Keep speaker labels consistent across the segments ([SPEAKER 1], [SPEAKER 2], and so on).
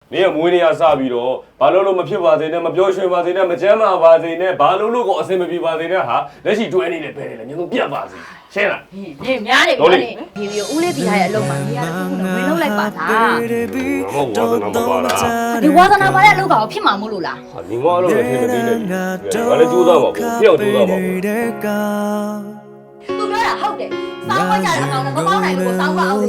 [SPEAKER 1] 你也没你也傻逼咯，把路没批发的呢，没标准发的呢，没钱嘛发的呢，把路搞什么批发的呢哈？那是专利的牌的，你都别发的，行了。
[SPEAKER 2] 你များနေပြီ။ဒီဦးလေးပြီးထားတဲ့အလုပ်မှာနေရာတစ်ခုနဲ့ဝင်လုံးလိုက်ပါလား
[SPEAKER 1] 我我是那么发啦。
[SPEAKER 2] ဒီဝါသနာပါတဲ့အလုပ်ကောင်ဖြစ်မှာမို့လို့လား
[SPEAKER 1] 你我路没听没听的，完了就这么不，不要就这么不。
[SPEAKER 2] သူပြောတာဟုတ်တယ်။စောင်းခွက်ကြတဲ့အကောင်နဲ့မပေါင်းနိုင်ဘူးကိုစောင်းခွက်အောင်နေ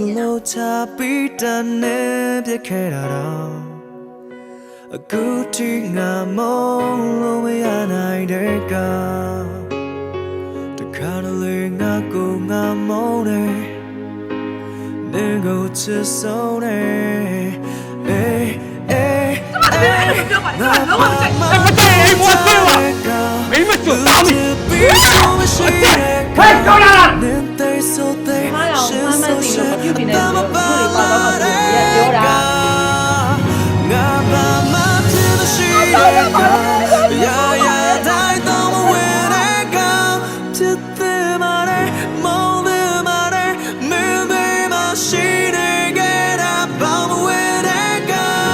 [SPEAKER 2] နေတာ။
[SPEAKER 3] အခုထိငါမုန်းလို့မရနိုင်တဲ့ကတခါတလေငါကိုငါမုန်းတယ်နေကိုချစ်ဆုံးတယ်အေးအေးငါလုံးဝမကြိုက်ဘူးမကြိုက်ဘူးမောဆွေးပါမင်းမကြွတာမင်းဟဲ့ကောင်းလားနင်တဲ့ဆိုတဲ့ရှင်းဆိုရှင်းအတမပါတဲ့ပြောတာငါဘာမှဖြစ်မရှိတဲ့ကရာရာတိုင်းတော့မဝင်တဲ့ကဖြစ်တဲ့မာတဲ့မောင်းတဲ့မာတဲ့မင်းတွေမရှိတဲ့ကတာဘာမဝင်တဲ့က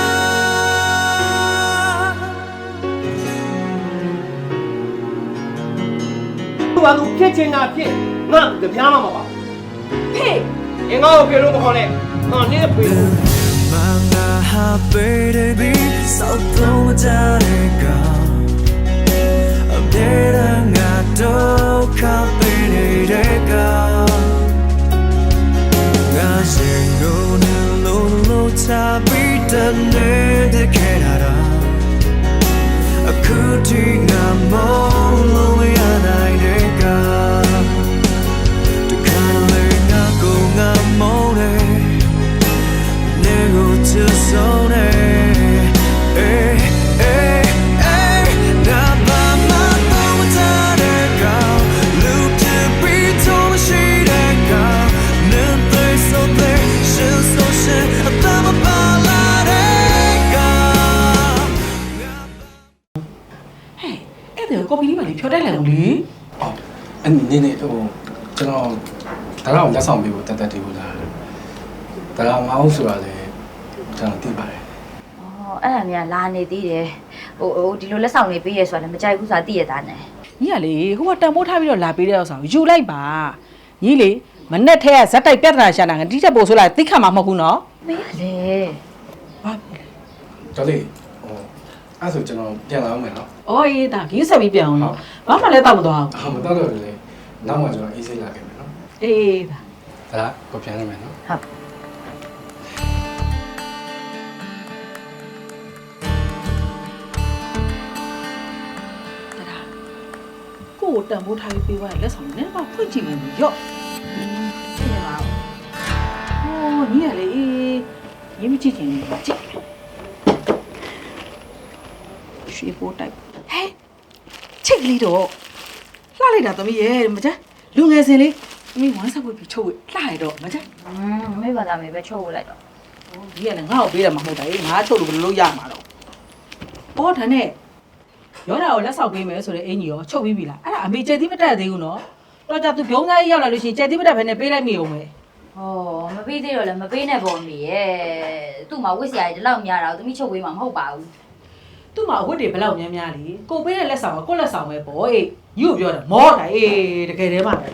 [SPEAKER 4] ဘာလို့ဖြစ်ချင်တာဖြစ်ငါတပြားမှမပါဖေးငါ့ကိုဖေလို့မခေါ်နဲ့ငါနင်းဖေး
[SPEAKER 3] Manga baby so don't matter I'm dead and I don't baby I sing no no tabi done the canada I could think I'm all we are the kind of go I'm on to zone eh eh eh na ba ma to ta ka look to be to she ka nen they so they shin so shin ta ma ba la ka
[SPEAKER 5] hey အဲ့ဒါကော်ပီလေးပါလေဖြောတိုက်လိုက်လို့လေ
[SPEAKER 6] အော်အနေနဲ့ဟိုကျွန်တော်ဒါတော့လက်ဆောင်ပေးဖို့တက်တက်တည်ဖို့လားဒါတော့မအောင်ဆိုတာလေကျွန်တော်သိပါတယ်
[SPEAKER 2] ။အော်အဲ့ဒါများလာနေသေးတယ်။ဟိုဒီလိုလက်ဆောင်လေးပေးရဲဆိုတာလည်းမကြိုက်ဘူးဆိုတာသိရတာနဲ့
[SPEAKER 5] ။ညီကလေဟိုကတန်ဖိုးထားပြီးတော့လာပေးတဲ့ဥစ္စာကိုယူလိုက်ပါ။ညီလေမနဲ့ထဲကဇက်တိုက်ပြဿနာရှာတာငါတိချက်ပို့ဆိုလာသိခါမှာမဟုတ်ဘူးနော်
[SPEAKER 2] ။မေးလေ
[SPEAKER 5] ။ဘာ
[SPEAKER 6] တော်လေးဟိုအဲ့ဆိုကျွန်တော်ပြန်လာအောင်မယ်နော်
[SPEAKER 5] ။အော်ရေးဒါဂင်းဆက်ပြီးပြန်အောင်နော်။ဘာမှလည်းတောက်မသွားဘူး
[SPEAKER 6] ။မတော့တော့လေနောက်မှကျွန်တော်အေးဆေးလာခဲ့မယ်နော်
[SPEAKER 5] ။အေးဒါ
[SPEAKER 6] ။ဒါကကိုပြန်ရမယ်နော်
[SPEAKER 2] ။ဟုတ်
[SPEAKER 5] ကိုတန်ဖိုးထားပြီးပေးသွားရင်လက်ဆောင်နဲ့တော့ဖွင့်ကြည့်မယ်ရော့
[SPEAKER 2] ကြည့်ရပါဦး
[SPEAKER 5] ဟိုညီကလေရေးမကြည့်ချင်ဘူးကြည့်ရွှေပိုးတိုက်ဟဲ့ချစ်ကလေးတော့လှလိုက်တာသမီးရဲ့မကြလူငယ်စင်လေးသမီးဝမ်းဆက်ဝတ်ပြီးချုပ်ဝလှရတော့မကြ
[SPEAKER 2] မေးပါသားမေးပဲချုပ်လိုက်တော့
[SPEAKER 5] ဒီကလည်းငါ့ကိုပေးတယ်မဟုတ်တာငါချုပ်လို့ဘယ်လိုလုပ်ရမှာတော့အော်ဒါနဲ့ရောတာကိုလက်ဆောင်ပေးမယ်ဆိုတဲ့အင်ကြီးရောချုပ်ပြီးပြီလားအဲ့ဒါအမေကျက်သီးမတက်သေးဘူးနော်တော့ကြသူပြုံးသားကြီးရောက်လာလို့ရှိရင်ကျက်သီးမတက်ဘဲနဲ့ပေးလိုက်မိအောင်ပဲ
[SPEAKER 2] ဟောမပေးသေးတော့လည်းမပေးနဲ့ပေါ့မေရဲ့သူ့မှာဝစ်စရာကြီးဒီလောက်များတာကိုသမီးချုပ်ပေးမှာမဟုတ်ပါဘူး
[SPEAKER 5] သူ့မှာအဝတ်တွေဘယ်လောက်များများလေကိုပေးတဲ့လက်ဆောင်ကကိုလက်ဆောင်ပဲပေါ့အေးညို့ပြောတယ်မောတာအေးတကယ်တည်းမှာပဲ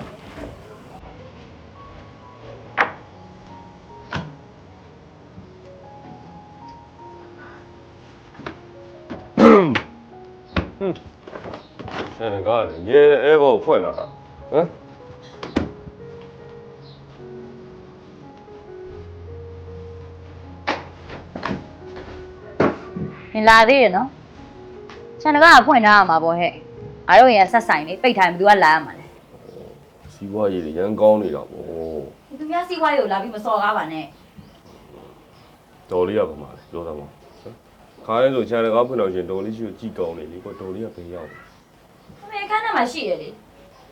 [SPEAKER 1] 现在你也把我换了，嗯？
[SPEAKER 2] 你လာသေးရနော်ဆန်တကားကဖွင့်ထားရမှာပေါ့ဟဲ့ငါတို့ရင်ဆက်ဆိုင်လေးပိတ်ထားရင်ဘယ်သူကလာရမှာလဲ
[SPEAKER 1] စီးပွားရေးတွေရန်ကောင်းနေတာပေါ့
[SPEAKER 2] သူများစီးပွားရေးကိုလာပြီးမစော်ကားပါနဲ့
[SPEAKER 1] တော်လေးရပါမှာလေပြောတာပေါ့ခါရဲဆိုခြံတကားဖွင့်တော့ရှင်တော်လေးရှိကိုကြည်ကောင်းနေလေကွာတော်လေးကဘယ်ရောက်
[SPEAKER 2] အမေခန်းထဲမှာရှိရလေ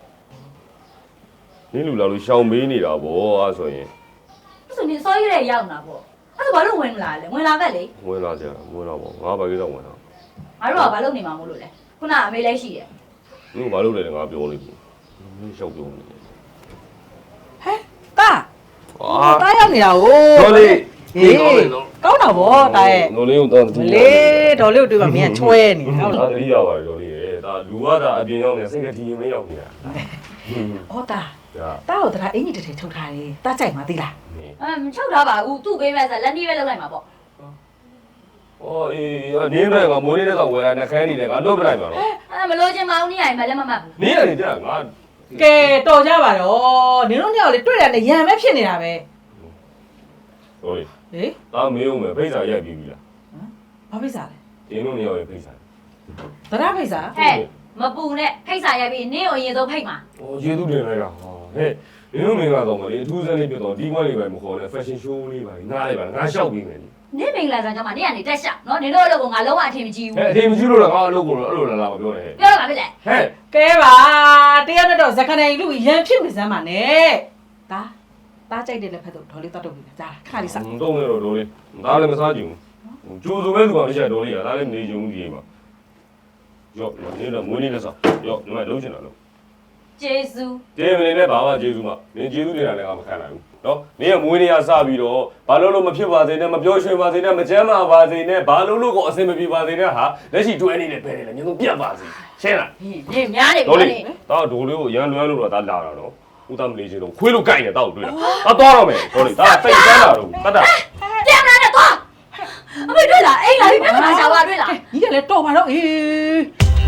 [SPEAKER 1] နင်းလူလာလို့ရှောင်မေးနေတာပေါ့အဲ့ဆိုရင်
[SPEAKER 2] အဲ့ဆိုနေစောရတဲ့ရောက်တာပေါ့အဲ့ဆိုဘာလို့ဝင်လာလဲဝင်လာခဲ့လေ
[SPEAKER 1] ဝင်လာကြဝင်လာပေါ့ငါဘာကိစ္စဝင်လာ
[SPEAKER 2] ငါတို့ကဘာလုပ်နေမှာမို့လို့လဲခုနအမေလည်းရှိတယ်
[SPEAKER 1] နင်ဘာလုပ်လဲငါပြောလိမ့်မယ်မင်းရှောက်ပြောနေတယ်
[SPEAKER 5] ဟဲ့တာတာရောက်နေတာဟို
[SPEAKER 1] တော်လေး
[SPEAKER 5] ကောင်းတာဗောတာရဲ့
[SPEAKER 1] ဒေါ်လေးကိုတော့
[SPEAKER 5] မလေးဒေါ်လေးကိုတွေ့ပါမင်းကချွဲနေဟုတ်
[SPEAKER 1] ဒါ
[SPEAKER 5] လား
[SPEAKER 1] တတိယပါဒေါ်လေးရဲ့ဒါလူကဒါအပြင်ရောက်နေစိတ်ကတည်ရင်မရောက်နေတာ
[SPEAKER 5] ဟောတာ
[SPEAKER 1] ဒါ
[SPEAKER 5] တာကိုတရားအင်ကြီးတစ်ထည်ထုတ်ထားတယ်တာကြိုက်မှာသိလား
[SPEAKER 2] မချုပ်တော့ပါဘူးသူ့ပေးမဲ့ဆိုလက်နီးပဲလောက်လိုက်မှာပေါ့
[SPEAKER 1] အော်အေးနင်းတဲ့ကမိုးနေတဲ့ကဝယ်ရနှခမ်းနေတယ်ကလွတ်ပလိုက်ပါတော့
[SPEAKER 2] မလို့ချင်းမအောင်နေရရင်မလက်မမှတ်ဘူး
[SPEAKER 1] နင်းရတယ်ကြာငါ
[SPEAKER 5] ကဲတော်ကြပါတော့နင်တို့ညောင်လေးတွေ့ရတယ်ရံပဲဖြစ်နေတာပဲ
[SPEAKER 1] ဟိုလေ
[SPEAKER 5] ဟေး
[SPEAKER 1] ဒါမေးဦးမယ်ဖိတ်စာရိုက်ပြီးပြီလား
[SPEAKER 5] ဘာဖိတ်စားလဲ
[SPEAKER 1] ဒီလိုနေရောက်ရင်ဖိတ်စာ
[SPEAKER 5] တရားဖိတ်စား
[SPEAKER 2] ဟဲ့မပူနဲ့ဖိတ်စာရိုက်ပြီးနင်းကိုအရင်ဆုံးဖိတ်မှာ
[SPEAKER 1] ။အော်ကျေးဇူးတင်လိုက်တာ။ဟောဟဲ့။ဒီလိုမင်းကတော့မလေးအထူးစမ်းလေးပြတော့ဒီကွက်လေးပဲမခေါ်နဲ့ fashion show လေးပါငါလေးပါငါရှောက်ပြီးမယ်လေ
[SPEAKER 2] နင်းမင်္ဂလာဆောင်ကြောင့်မနင်းကနေတက်ရှောက်နော်နင်တို့အလုပ်ကိုငါလုံးဝအထင်မကြီး
[SPEAKER 1] ။
[SPEAKER 2] ဘူး
[SPEAKER 1] ဟဲ့အတင်းမကြည့်လို့လားငါအလုပ်ကိုအဲ့လိုလာမပြောနဲ့
[SPEAKER 2] ပြောတော့ပါဖြစ်လေ
[SPEAKER 1] ။ဟဲ့
[SPEAKER 5] ကဲပါတရားနဲ့တော့ဇခနိုင်လူရံဖြစ်နေစမ်းပါနဲ့ဒါတာကြိုက်တယ်လည်းဖက်တော့ဒေါ်လေးတတ်တော့ပြီဒါခါလေးစား
[SPEAKER 1] တုံးနေတော့လေးဒါလည်းမစားကြည့်ဘူး။ကျိုးစုံမဲ့သူကမရှိတော့လေးကဒါလည်းနေကြုံကြီးပါ။ရော့နေတော့မွေးနေလက်စား။ရော့ဒီမှာလုံးချင်တာလို့
[SPEAKER 2] ကျေးဇူး
[SPEAKER 1] တေးမနေနဲ့ဘာမှကျေးဇူးမ။နင်ကျေးဇူးတင်တာလည်းငါမခံနိုင်ဘူး။နော်။နင်ကမွေးနေရစပြီးတော့ဘာလို့မဖြစ်ပါစေနဲ့မပြောရွှင်ပါစေနဲ့မကြမ်းပါပါစေနဲ့ဘာလို့ကိုအဆင်မပြေပါစေနဲ့ဟာလက်ရှိတွဲနေနဲ့ပဲလေညတို့ပြတ်ပါစေ။ရှင်းလား
[SPEAKER 2] နင်းများနေပြီ
[SPEAKER 1] ဒေါ်
[SPEAKER 2] နော်
[SPEAKER 1] လေး
[SPEAKER 2] နင်း
[SPEAKER 1] ဒါဒိုလေးကိုရန်လွမ်းလို့တော့ဒါလာတာတော့ဦးသားမလေးချင်းတော့ခွေးလို့ကြိုက်နေတော့တွေ့တာဒါသွားတော့မယ်ဒေါ်လေးဒါစိတ်ကန်းလာတော့တတ်တာ
[SPEAKER 2] ပြန်လာတော့သွားအမေတွေ့လားအိမ်လာပြီပြန်လာရှာပါတွေ့လား
[SPEAKER 5] ကြီးကလည်းတော်ပါတော့အေး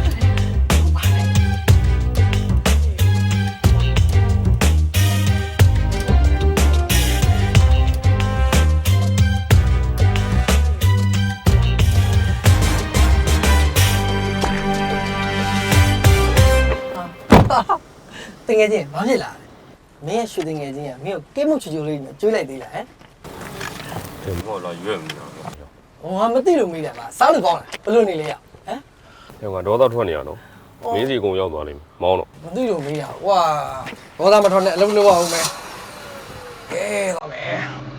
[SPEAKER 7] တငယ်ချင်းဘာဖြစ်လာလဲမင်းရဲ့ရွှေတငယ်ချင်းကမင်းကိုကိမှုချူချူလေးနဲ့ကျွေးလိုက်သေးလားဟမ်
[SPEAKER 1] တယ်မော်လာရွက်မနေတာတော့
[SPEAKER 7] ဟောငါမသိလို့မေးတယ်ပါစားလို့ကောင်းလားဘယ်လိုနေလဲရဟမ်
[SPEAKER 1] ဟဲ့ကတော့ထွက်နေရတော့မင်းစီကုံရောက်သွားလိမ့်မယ်မောင်းတော့
[SPEAKER 7] မသိလို့မေးတာဝါဘောသားမထော်နဲ့အလုံးလုံးအောင်မယ်ကဲတော့မယ်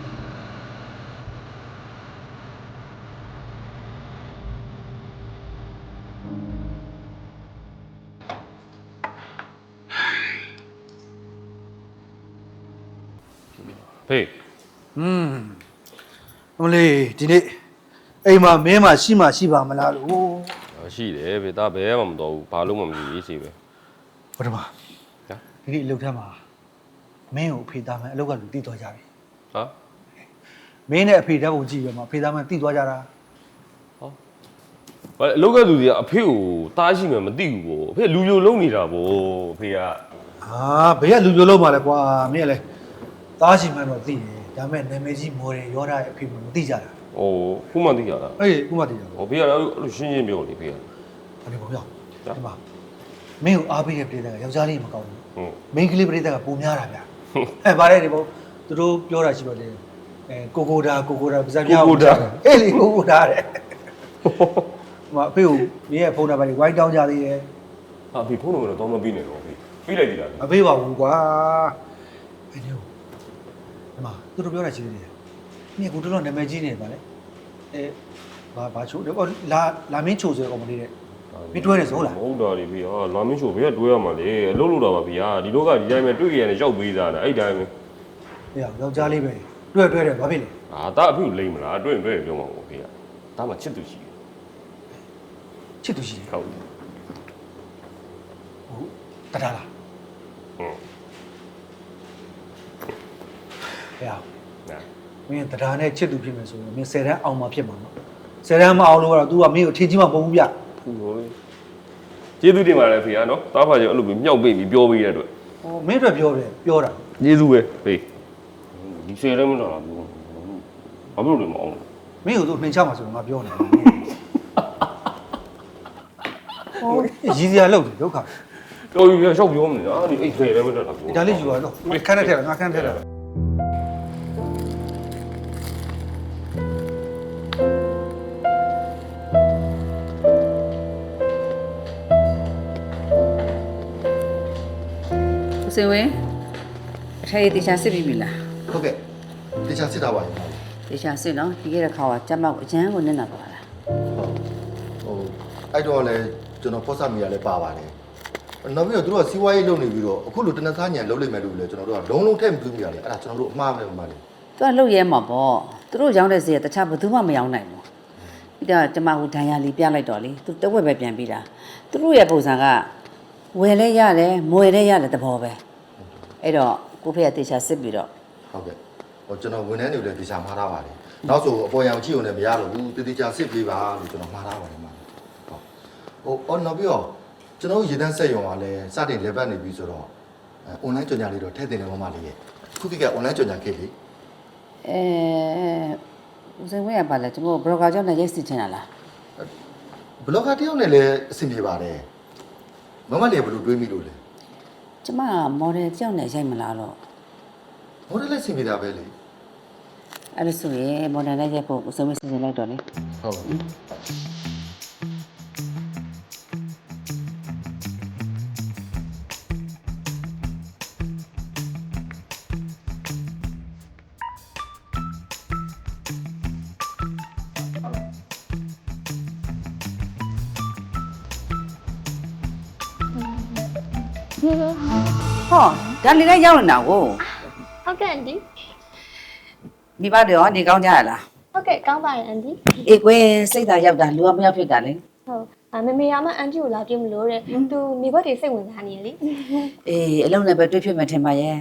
[SPEAKER 1] ဖေး
[SPEAKER 8] အမလေးဒီနေ့အိမ်မှာမင်းမရှိမှရှိပါမလားလို့
[SPEAKER 1] ရှိတယ်ဖေးဒါဘယ်မှမတော်ဘူးဘာလို့မှမကြည့်ရေးစီပဲ
[SPEAKER 8] ဘုရားမဒီနေ့အလုပ်ထမ်းမှာမင်းကိုအဖေသားမှန်အလုပ်ကလူတည်သွားကြပြီ
[SPEAKER 1] ဟာ
[SPEAKER 8] မင်းနဲ့အဖေသားကိုကြည့်ရမှာအဖေသားမှန်တည်သွားကြတာ
[SPEAKER 1] ဘာအလုပ်ကသူတွေကအဖေကိုတားရှိမှမသိဘူးဗောအဖေလူပြိုလုံးနေတာဗောအဖေက
[SPEAKER 8] ဟာဘယ်ကလူပြိုလုံးပါလဲကွာမင်းကလည်းသားရှိမှန်တော့သိတယ်ဒါပေမဲ့နာမည်ကြီးမော်ဒယ်ရောတာရဲ့အဖေမသိကြတာ
[SPEAKER 1] ဟိုခုမှသိကြတာ
[SPEAKER 8] အေးခုမှသိကြတာ
[SPEAKER 1] ဟိုဖေကတော့အဲ့လိုရှင်းရှင်းပြောလေဖေက
[SPEAKER 8] အဲ့ဒီပေါ့ပြောဒီမှာမင်းကိုအားပေးတဲ့ပြည်သားကယောက်ျားလေးမကောင်းဘူး
[SPEAKER 1] ဟုတ်
[SPEAKER 8] မိန်းကလေးပြည်သားကပုံများတာဗျအဲဗါတဲ့ဒီပေါ့သူတို့ပြောတာရှိပါတယ်ကိုကိုဒါပါဇက်ပြောင်းအေးလေကိုကိုဒါတဲ့ မအဖေကိုမင်းရဲ့ဖုန်းနံပါတ်ကြီးဝိုင်းတောင်းကြသေးတယ်
[SPEAKER 1] ဟာဖေဖုန်းနံပါတ်တော့မပြီးနဲ့တော့ဖေပြီးလိုက်ပြီလား
[SPEAKER 8] မပေးပါဘူးကွာအဲ့ဒီမှာသူတို့ပြောတာရှိသေးတယ်မင်းကိုတော်တော်နာမည်ကြီးနေပါလေအဲဘာချိုးတယ်လာမင်းချိုးဆိုကောင်မလေးတဲ့မင်းတွဲတယ်ဆိုဟုတ်လား
[SPEAKER 1] ဟုတ်တာလေဖေဟာလာမင်းချိုဘေးကတွဲရမှာလေအလုပ်လုပ်တာပါဖေဟာဒီလောကဒီတိုင်းပဲတွေ့ရရင်ရောက်ပေးသားတာအဲ့တိုင်းပဲ
[SPEAKER 8] ဟေးယောက်ျားလေးပဲတွဲတယ်ဘာဖြစ်လဲ
[SPEAKER 1] ဟာဒါအဖေကိုလိမ့်မလားတွေ့ရင်တွေ့ပြောမှာပေါ့ဖေဟာဒါမှချစ်သူရှိတယ်
[SPEAKER 8] ချစ်သူရှိတယ်
[SPEAKER 1] ဟုတ်
[SPEAKER 8] ဟုတ်တတားလား
[SPEAKER 1] ဟုတ်
[SPEAKER 8] ဟေး
[SPEAKER 1] နာ
[SPEAKER 8] မင်းတတားနဲ့ချစ်သူဖြစ်မယ်ဆိုရင်မင်း10တန်းအောင်မှဖြစ်မှာနော်10တန်းမအောင်လို့ကတော့ तू ကမင်းကိုအထင်ကြီးမှမဟုတ်ဘူးဗျ
[SPEAKER 1] ဖူလို့လေကျေးဇူးတင်ပါတယ်ဖေဟာနော်တားပါကျအဲ့လိုမျိုးမြောက်ပိတ်ပြီးပြောပေးတဲ့အတွက်
[SPEAKER 8] ဟောမင်းတို့ပြောတာ
[SPEAKER 1] ကျေးဇူးပဲဖေဒီဆယ်လည်းမတော်လားဘူးဘာလို့လဲမအောင်
[SPEAKER 8] မင်းတို့နှင်ချမှာဆိုတော့ငါပြောနေတာဟောရည်စရာလောက်တယ်ဒုက္ခ
[SPEAKER 1] တော်ပြီရှောက်ပြောမနေတာဒီအဲ့ဆယ်လည်းမတော်လားဘူး
[SPEAKER 8] ဒါလေးယူပါတော့ခန်းနဲ့ထည့်တာငါခန်းထည့်တာ
[SPEAKER 9] ဦးစင်ဝင်းအထက်ရေးတေချာစစ်ပြီးပြီလား
[SPEAKER 10] ဟုတ်ကဲ့တေချာစစ်တာပါလေ
[SPEAKER 9] တေချာစစ်နော်ဒီကရက်ခါကကျမကိုအကျန်းကိုနစ်နာသွားတာ
[SPEAKER 10] ဟိုအဲ့တော့လည်းကျွန်တော်ဖော့ဆာမီယာလည်းပါပါတယ်နောက်ပြီးတော့သူတို့ကစီးပွားရေးလုပ်နေပြီးတော့အခုလိုတနက်သားညံလုပ်လိုက်မယ်လို့လည်းကျွန်တော်တို့ကလုံးလုံးထည့်မပြီးမိရတယ်အဲ့ဒါကျွန်တော်တို့အမှားပဲမှားတယ်
[SPEAKER 9] သူကလှုပ်ရဲမှာပေါ့သူတို့ရောင်းတဲ့ဈေးကတခြားဘယ်သူမှမရောင်းနိုင်ဘူးပြီးတော့ကျမဟိုဒဏ်ရာလီပြလိုက်တော့လေသူတဝက်ပဲပြန်ပြီးတာသူတို့ရဲ့ပုံစံကဝယ်လဲရတယ်မွေလဲရတယ်တဘောပဲအဲ့တော့ကိုဖေကတေချာစစ်ပြီးတော့
[SPEAKER 10] ဟုတ်ကဲ့ဟိုကျွန်တော်ဝန်ထမ်းတွေလည်းတေချာမှားထားပါတယ်နောက်ဆိုအပေါ်ရောင်ကြည့်ုံနဲ့မရတော့ဘူးတေချာစစ်ပေးပါလို့ကျွန်တော်မှားထားပါတယ်မှာဟုတ်ဟိုနောက်ပြီးတော့ကျွန်တော်ရေတန်းဆက်ရုံကလည်းစတင်လေပတ်နေပြီဆိုတော့အွန်လိုင်းကြော်ညာလေးတော့ထည့်တင်တယ်မမလေးရဲ့ခုခေတ်ကအွန်လိုင်းကြော်ညာခေတ်လေ
[SPEAKER 9] ဦးစင်ဝင်းကပါလဲကျွန်တော်ဘလော့ဂါကြောင့်လည်းရိုက်စစ်ချင်တာလား
[SPEAKER 10] ဘလော့ဂါတယောက်နဲ့လည်းအဆင်ပြေပါတယ်မမလေးကဘယ်လိုတွေးမိလို့လဲ
[SPEAKER 9] ကျမမော်ဒယ်ကြောင့်လည်းရိုက်မလားတော့
[SPEAKER 10] ဟိုလည်းအဆင်ပြေတာပဲလေ
[SPEAKER 9] အဲ့ဒါဆိုရင်မော်ဒယ်လည်းရိုက်ဖို့ဦးစင်ဝင်းစီစဉ်လိုက်တော့လေ
[SPEAKER 10] ဟုတ်ပါဘူး
[SPEAKER 9] ဟောဒါလေးလည်းရောက်နေတာကို
[SPEAKER 11] ဟုတ်ကဲ့အန်တီ
[SPEAKER 9] မိဘတွေရောနေကောင်းကြရလား
[SPEAKER 11] ဟုတ်ကဲ့ကောင်းပါတယ်အန်တီ
[SPEAKER 9] အေးကွယ်စိတ်သာရောက်တာလူကမရောက်ဖြစ်တာလေ
[SPEAKER 11] ဟုတ်မမေရမအန်တီကိုလာပြမလို့တဲ့သူမိဘတွေစိတ်ဝင်စားနေရလေ
[SPEAKER 9] အေးအလုံးနဲ့ပဲတွေ့ဖြစ်မှထင်ပါရဲ့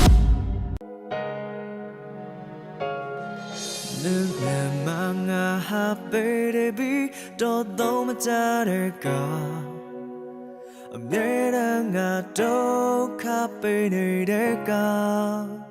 [SPEAKER 3] Nungamanga baby do do majareka Amera nga do ka pe ne de ka